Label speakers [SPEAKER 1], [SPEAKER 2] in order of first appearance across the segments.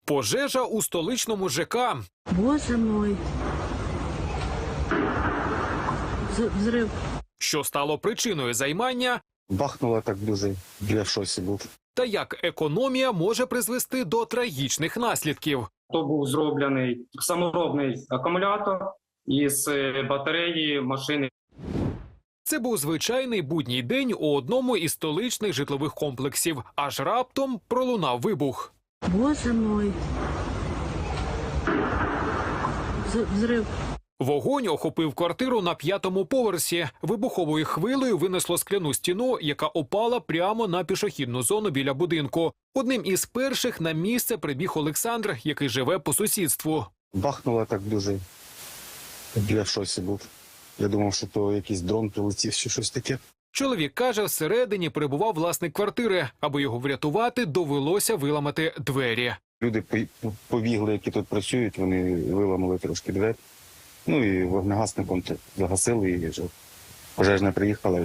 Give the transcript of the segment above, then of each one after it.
[SPEAKER 1] Пожежа у столичному ЖК.
[SPEAKER 2] Боже мой. Взрив.
[SPEAKER 1] Що стало причиною займання
[SPEAKER 3] Бахнуло так дуже, я в шоці був.
[SPEAKER 1] та як економія може призвести до трагічних наслідків.
[SPEAKER 4] То був зроблений саморобний акумулятор із батареї машини.
[SPEAKER 1] Це був звичайний будній день у одному із столичних житлових комплексів. Аж раптом пролунав вибух.
[SPEAKER 2] Боже мой. Взрив.
[SPEAKER 1] Вогонь охопив квартиру на 5-му поверсі. Вибуховою хвилею винесло скляну стіну, яка опала прямо на пішохідну зону біля будинку. Одним із перших на місце прибіг Олександр, який живе по сусідству.
[SPEAKER 3] Бахнуло так дуже, я в шоці був. Я думав, що то якийсь дрон прилетів чи щось таке.
[SPEAKER 1] Чоловік каже, всередині перебував власник квартири. Аби його врятувати, довелося виламати двері.
[SPEAKER 3] Люди побігли, які тут працюють, вони виламали трошки двері. Ну і вогнегасником загасили, і вже пожежна приїхала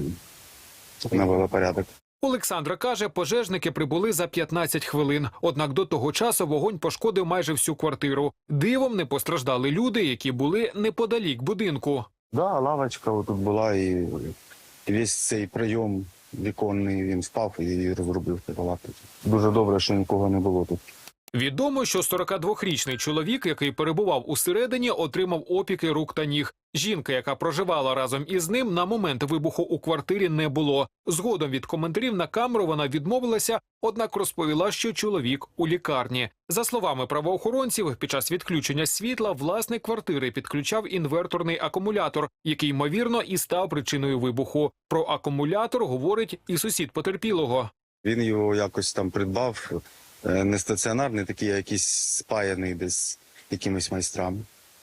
[SPEAKER 3] і навела порядок.
[SPEAKER 1] Олександра каже, пожежники прибули за 15 хвилин. Однак до того часу вогонь пошкодив майже всю квартиру. Дивом не постраждали люди, які були неподалік будинку.
[SPEAKER 3] Да, лавочка отут була, і весь цей прийом віконний, він впав і розрубив лавку. Дуже добре, що нікого не було тут.
[SPEAKER 1] Відомо, що 42-річний чоловік, який перебував усередині, отримав опіки рук та ніг. Жінка, яка проживала разом із ним, на момент вибуху у квартирі не було. Згодом від коментарів на камеру вона відмовилася, однак розповіла, що чоловік у лікарні. За словами правоохоронців, під час відключення світла власник квартири підключав інверторний акумулятор, який, ймовірно, і став причиною вибуху. Про акумулятор говорить і сусід потерпілого.
[SPEAKER 3] Він його якось там придбав, не стаціонарний, такий, а якийсь спаяний десь якимись майстрами.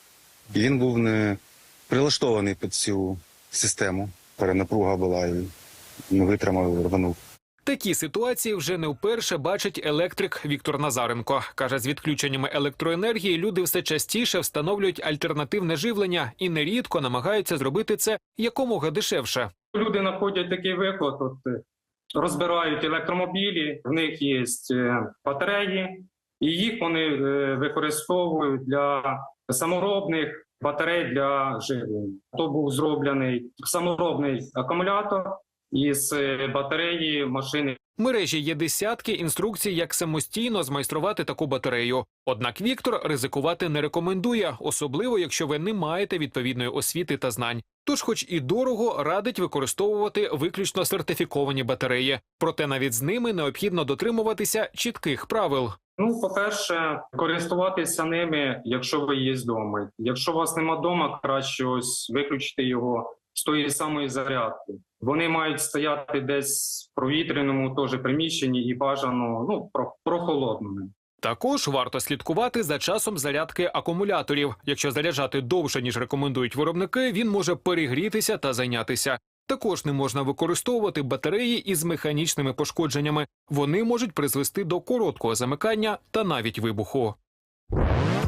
[SPEAKER 3] І він був не прилаштований під цю систему. Перенапруга була і не витримав і рванув.
[SPEAKER 1] Такі ситуації вже не вперше бачить електрик Віктор Назаренко. Каже, з відключеннями електроенергії люди все частіше встановлюють альтернативне живлення і нерідко намагаються зробити це якомога дешевше.
[SPEAKER 4] Люди знаходять такий виклад, розбирають електромобілі, в них є батареї, і їх вони використовують для саморобних батарей для живлення. То був зроблений саморобний акумулятор із батареї машини.
[SPEAKER 1] В мережі є десятки інструкцій, як самостійно змайструвати таку батарею. Однак Віктор ризикувати не рекомендує, особливо якщо ви не маєте відповідної освіти та знань. Тож, хоч і дорого, радить використовувати виключно сертифіковані батареї. Проте навіть з ними необхідно дотримуватися чітких правил.
[SPEAKER 4] По-перше, користуватися ними, якщо ви є вдома. Якщо у вас нема вдома, краще ось виключити його з тої самої зарядки. Вони мають стояти десь в провітряному теж приміщенні і бажано прохолодними.
[SPEAKER 1] Також варто слідкувати за часом зарядки акумуляторів. Якщо заряджати довше, ніж рекомендують виробники, він може перегрітися та зайнятися. Також не можна використовувати батареї із механічними пошкодженнями. Вони можуть призвести до короткого замикання та навіть вибуху.